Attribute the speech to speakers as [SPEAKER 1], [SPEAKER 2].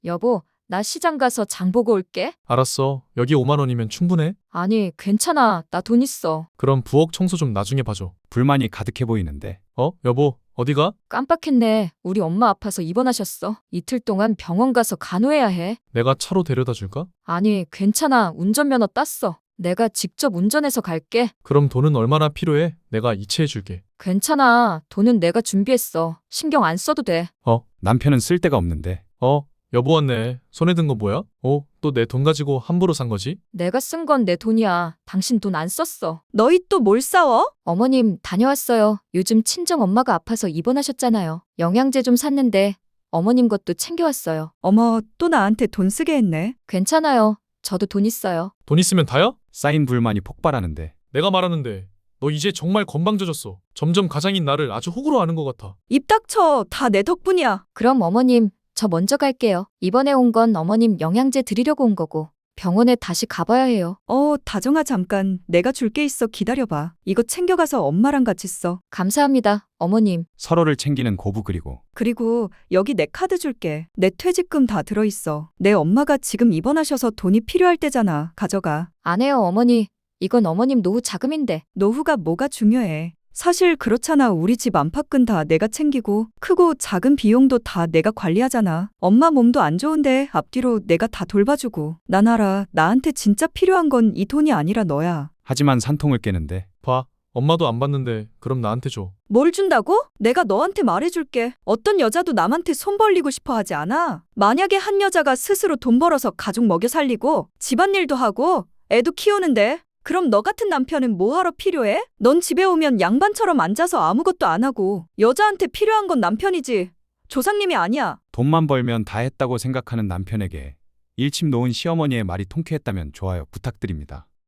[SPEAKER 1] 여보, 나 시장 가서 장 보고 올게.
[SPEAKER 2] 알았어. 여기 5만 원이면 충분해?
[SPEAKER 1] 아니, 괜찮아. 나 돈 있어.
[SPEAKER 2] 그럼 부엌 청소 좀 나중에 봐줘.
[SPEAKER 3] 불만이 가득해 보이는데
[SPEAKER 2] 여보, 어디가?
[SPEAKER 1] 깜빡했네. 우리 엄마 아파서 입원하셨어. 이틀 동안 병원 가서 간호해야 해.
[SPEAKER 2] 내가 차로 데려다 줄까?
[SPEAKER 1] 아니, 괜찮아. 운전면허 땄어. 내가 직접 운전해서 갈게.
[SPEAKER 2] 그럼 돈은 얼마나 필요해? 내가 이체해 줄게.
[SPEAKER 1] 괜찮아. 돈은 내가 준비했어. 신경 안 써도 돼.
[SPEAKER 3] 남편은 쓸 데가 없는데
[SPEAKER 2] 여보 왔네. 손에 든 거 뭐야? 또 내 돈 가지고 함부로 산 거지?
[SPEAKER 1] 내가 쓴 건 내 돈이야. 당신 돈 안 썼어.
[SPEAKER 4] 너희 또 뭘 싸워?
[SPEAKER 1] 어머님, 다녀왔어요. 요즘 친정 엄마가 아파서 입원하셨잖아요. 영양제 좀 샀는데 어머님 것도 챙겨왔어요.
[SPEAKER 4] 어머, 또 나한테 돈 쓰게 했네.
[SPEAKER 1] 괜찮아요. 저도 돈 있어요.
[SPEAKER 2] 돈 있으면 다야?
[SPEAKER 3] 쌓인 불만이 폭발하는데
[SPEAKER 2] 내가 말하는데 너 이제 정말 건방져졌어. 점점 가장인 나를 아주 호구로 아는 것 같아.
[SPEAKER 4] 입 닥쳐. 다 내 덕분이야.
[SPEAKER 1] 그럼 어머님, 저 먼저 갈게요. 이번에 온 건 어머님 영양제 드리려고 온 거고 병원에 다시 가봐야 해요.
[SPEAKER 4] 다정아 잠깐. 내가 줄 게 있어. 기다려봐. 이거 챙겨가서 엄마랑 같이 써.
[SPEAKER 1] 감사합니다, 어머님.
[SPEAKER 3] 서로를 챙기는 고부
[SPEAKER 4] 그리고 여기 내 카드 줄게. 내 퇴직금 다 들어있어. 내 엄마가 지금 입원하셔서 돈이 필요할 때잖아. 가져가.
[SPEAKER 1] 안 해요, 어머니. 이건 어머님 노후 자금인데.
[SPEAKER 4] 노후가 뭐가 중요해. 사실 그렇잖아. 우리 집 안팎은 다 내가 챙기고 크고 작은 비용도 다 내가 관리하잖아. 엄마 몸도 안 좋은데 앞뒤로 내가 다 돌봐주고. 난 알아. 나한테 진짜 필요한 건 이 돈이 아니라 너야.
[SPEAKER 3] 하지만 산통을 깨는데
[SPEAKER 2] 봐. 엄마도 안 받는데 그럼 나한테 줘.
[SPEAKER 4] 뭘 준다고? 내가 너한테 말해줄게. 어떤 여자도 남한테 손 벌리고 싶어 하지 않아. 만약에 한 여자가 스스로 돈 벌어서 가족 먹여 살리고 집안일도 하고 애도 키우는데 그럼 너 같은 남편은 뭐하러 필요해? 넌 집에 오면 양반처럼 앉아서 아무것도 안 하고 여자한테 필요한 건 남편이지 조상님이 아니야.
[SPEAKER 3] 돈만 벌면 다 했다고 생각하는 남편에게 일침 놓은 시어머니의 말이 통쾌했다면 좋아요 부탁드립니다.